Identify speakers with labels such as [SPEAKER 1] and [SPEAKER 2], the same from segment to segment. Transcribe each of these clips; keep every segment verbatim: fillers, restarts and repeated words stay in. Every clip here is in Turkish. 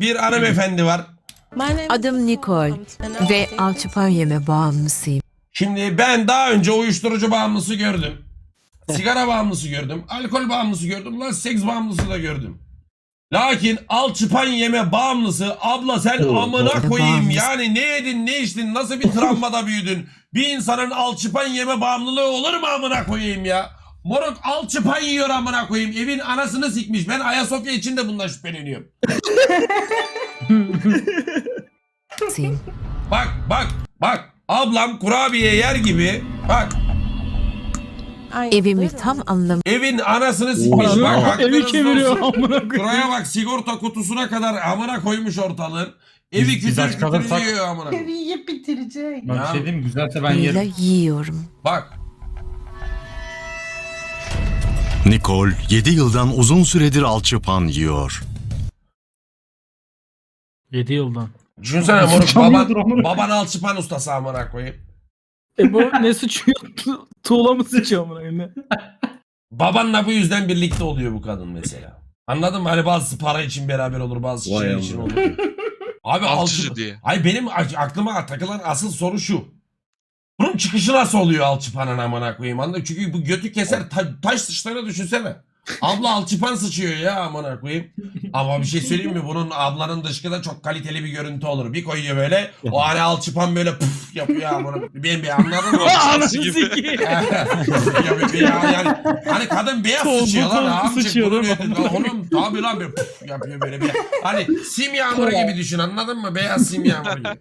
[SPEAKER 1] bir hanımefendi var.
[SPEAKER 2] Adım Nicole ve alçıpan yeme bağımlısıyım.
[SPEAKER 1] Şimdi ben daha önce uyuşturucu bağımlısı gördüm. Sigara bağımlısı gördüm. Alkol bağımlısı gördüm. Lan seks bağımlısı da gördüm. Lakin alçıpan yeme bağımlısı abla sen amına koyayım.
[SPEAKER 2] Bağımlısı.
[SPEAKER 1] Yani ne yedin ne içtin nasıl bir travmada büyüdün. Bir insanın alçıpan yeme bağımlılığı olur mu amına koyayım ya. Moruk alçıpan yiyor amına koyayım. Evin anasını sikmiş. Ben Ayasofya için de bundan şüpheleniyorum. Bak bak bak. Ablam kurabiye yer gibi. Bak
[SPEAKER 2] Evimi tam anlamı
[SPEAKER 1] evin anasını sikmiş. Bak
[SPEAKER 3] Evi
[SPEAKER 1] hakkınızda
[SPEAKER 3] kemiriyor
[SPEAKER 1] olsun.
[SPEAKER 3] amına koyayım.
[SPEAKER 1] Şuraya bak sigorta kutusuna kadar amına koymuş ortalığın. Evi
[SPEAKER 3] Biz- biz
[SPEAKER 1] kütür
[SPEAKER 3] aç
[SPEAKER 1] kütür
[SPEAKER 3] kalırsak-
[SPEAKER 1] yiyor amına koyayım.
[SPEAKER 4] Yiyip bitirecek.
[SPEAKER 3] Ben bir
[SPEAKER 1] Ya.
[SPEAKER 3] şey diyeyim mi? Güzelse ben yerim.
[SPEAKER 2] ile yiyorum.
[SPEAKER 1] Bak
[SPEAKER 5] Nicole yedi yıldan uzun süredir alçıpan yiyor.
[SPEAKER 3] yedi yıldan.
[SPEAKER 1] düşünsene moruk
[SPEAKER 3] Sıçamıyordur
[SPEAKER 1] baban,
[SPEAKER 3] amına.
[SPEAKER 1] baban alçıpan ustası amına koyayım.
[SPEAKER 3] E bu ne sıçıyor? Tu- Tuğla mı sıçıyor amına koyayım?
[SPEAKER 1] Babanla bu yüzden birlikte oluyor bu kadın mesela. Anladın mı? Hani bazısı para için beraber olur bazısı
[SPEAKER 6] Vay
[SPEAKER 1] şey
[SPEAKER 6] amına.
[SPEAKER 1] için olur. Abi
[SPEAKER 6] Alçıcı
[SPEAKER 1] alçıpan.
[SPEAKER 6] diye.
[SPEAKER 1] Ay benim a- aklıma takılan asıl soru şu. Bunun çıkışı nasıl oluyor alçıpanın amına koyayım anladın? Çünkü bu götü keser ta- taş sıçtığını düşünsene. Abla alçıpan sıçıyor ya amına koyayım. Ama bir şey söyleyeyim mi? Bunun ablanın dışkıda çok kaliteli bir görüntü olur. Bir koyuyor böyle. O hani alçıpan böyle puf yapıyor amına. Ben bir anladın mı?
[SPEAKER 3] Anasını
[SPEAKER 6] gibi.
[SPEAKER 3] sikeyim.
[SPEAKER 1] ya, bir- ya, yani, hani kadın beyaz
[SPEAKER 3] Tolgu
[SPEAKER 1] sıçıyor lan
[SPEAKER 3] tolgu
[SPEAKER 1] amcık
[SPEAKER 3] sıçıyor
[SPEAKER 1] bunun
[SPEAKER 3] değil mi?
[SPEAKER 1] ödü- lan Oğlum tabi lan böyle puf yapıyor böyle bir. Hani sim yağmuru gibi düşün anladın mı? Beyaz sim yağmuru gibi.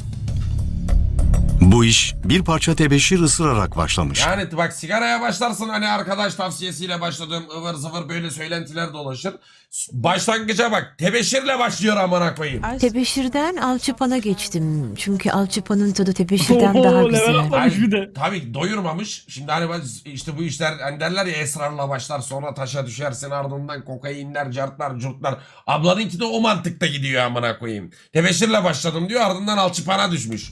[SPEAKER 5] Bu iş bir parça tebeşir ısırarak başlamış.
[SPEAKER 1] Yani bak sigaraya başlarsın hani arkadaş tavsiyesiyle başladığım ıvır zıvır böyle söylentiler dolaşır. Başlangıca bak tebeşirle başlıyor amına koyayım.
[SPEAKER 2] Tebeşirden alçıpana geçtim. Çünkü alçıpanın tadı tebeşirden daha
[SPEAKER 3] Oo, level
[SPEAKER 2] güzel.
[SPEAKER 3] atlamış bir de.
[SPEAKER 1] Tabii doyurmamış. Şimdi hani bak işte bu işler hani derler ya esrarla başlar sonra taşa düşersin ardından kokainler, cartlar, curtlar. Ablanınki de o mantıkta gidiyor amına koyayım. Tebeşirle başladım diyor ardından alçıpana düşmüş.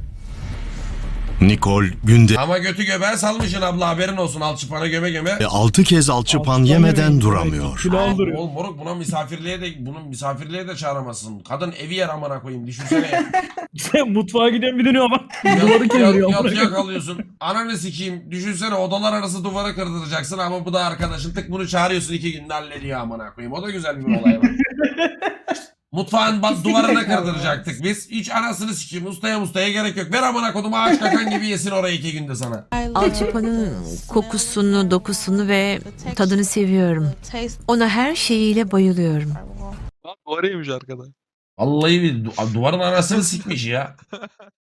[SPEAKER 5] Nicole günde
[SPEAKER 1] Ama götü göbeğe salmışsın abla haberin olsun alçıpana göme göme.
[SPEAKER 5] altı kez alçıpan
[SPEAKER 3] Alçıpan
[SPEAKER 5] yemeden
[SPEAKER 3] yemeyin.
[SPEAKER 5] duramıyor.
[SPEAKER 3] Kilo aldırıyor.
[SPEAKER 1] Oğlum moruk buna misafirliğe de bunun misafirliğe de çağıramazsın. Kadın evi yer amına koyayım düşünsene.
[SPEAKER 3] Sen mutfağa gidiyorsun bir dönüyor ama
[SPEAKER 1] Yat-
[SPEAKER 3] duvarı
[SPEAKER 1] yat-
[SPEAKER 3] kemiriyor amına
[SPEAKER 1] Yatıya
[SPEAKER 3] koyayım.
[SPEAKER 1] kalıyorsun. Ananı sikeyim. Düşünsene odalar arası duvarı kırdıracaksın ama bu da arkadaşın tık bunu çağırıyorsun iki günde hallediyor amına koyayım. O da güzel bir olay var. Mutfağın bak duvarına kırdıracaktık biz. Hiç anasını sikeyim. Ustaya mustaya gerek yok. Ver amına kodumu ağaç kakan gibi yesin orayı iki günde sana.
[SPEAKER 2] Alçıpanın kokusunu, dokusunu ve tadını seviyorum. Ona her şeyiyle bayılıyorum.
[SPEAKER 6] Lan bu araymış arkada.
[SPEAKER 1] Vallahi bir du- duvarın anasını sikmiş ya.